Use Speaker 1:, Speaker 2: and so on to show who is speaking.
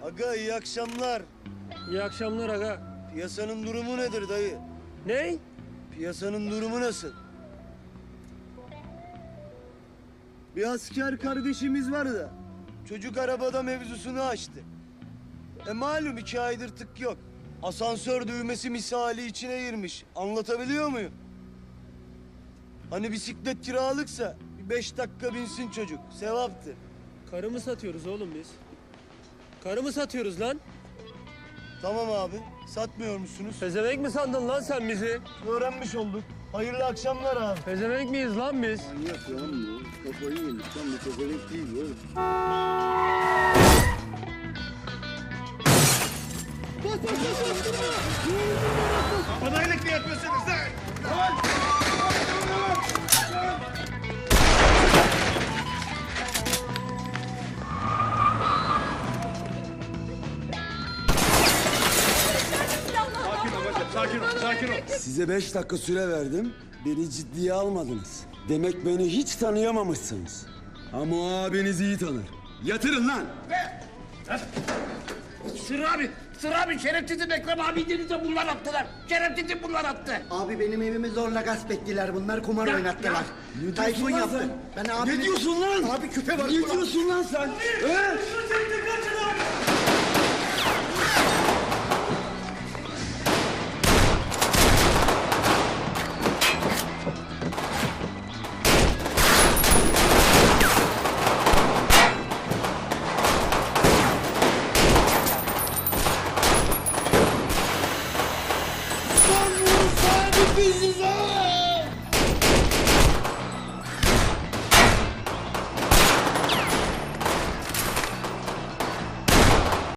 Speaker 1: Aga iyi akşamlar.
Speaker 2: İyi akşamlar aga.
Speaker 1: Piyasanın durumu nedir dayı?
Speaker 2: Ne?
Speaker 1: Piyasanın durumu nasıl? Bir asker kardeşimiz var da çocuk arabada mevzusunu açtı. Malum 2 aydır tık yok. Asansör düğmesi misali içine girmiş. Anlatabiliyor muyum? Hani bisiklet kiralıksa bir 5 dakika binsin çocuk. Sevaptır.
Speaker 2: Karı mı satıyoruz oğlum biz? Karı mı satıyoruz lan?
Speaker 1: Tamam abi. Satmıyor musunuz?
Speaker 2: Pezevenk mi sandın lan sen bizi?
Speaker 1: Öğrenmiş olduk. Hayırlı akşamlar abi.
Speaker 2: Pezevenk miyiz lan biz?
Speaker 1: Manyak lan bu. Kafayı yemiş lan bu pezevenk değil oğlum.
Speaker 3: Bana iyilik mi yapıyorsunuz lan? Sakin ol bacım, sakin ol, sakin ol.
Speaker 4: Size 5 dakika süre verdim. Beni ciddiye almadınız. Demek beni hiç tanıyamamışsınız. Ama o abiniz iyi tanır. Yatırın lan!
Speaker 3: Sır abi, şerefsizim Ekrem abi denize bunlar attılar. Şerefsizim bunlar attı.
Speaker 5: Abi benim evimi zorla gasp ettiler. Bunlar kumar oynattılar.
Speaker 4: Ne
Speaker 5: Tayfun
Speaker 4: diyorsun lan
Speaker 5: yaptı.
Speaker 4: sen?
Speaker 5: Ben abi
Speaker 4: Ne diyorsun lan?
Speaker 5: Abi küpe var.
Speaker 4: Ne diyorsun lan sen? He?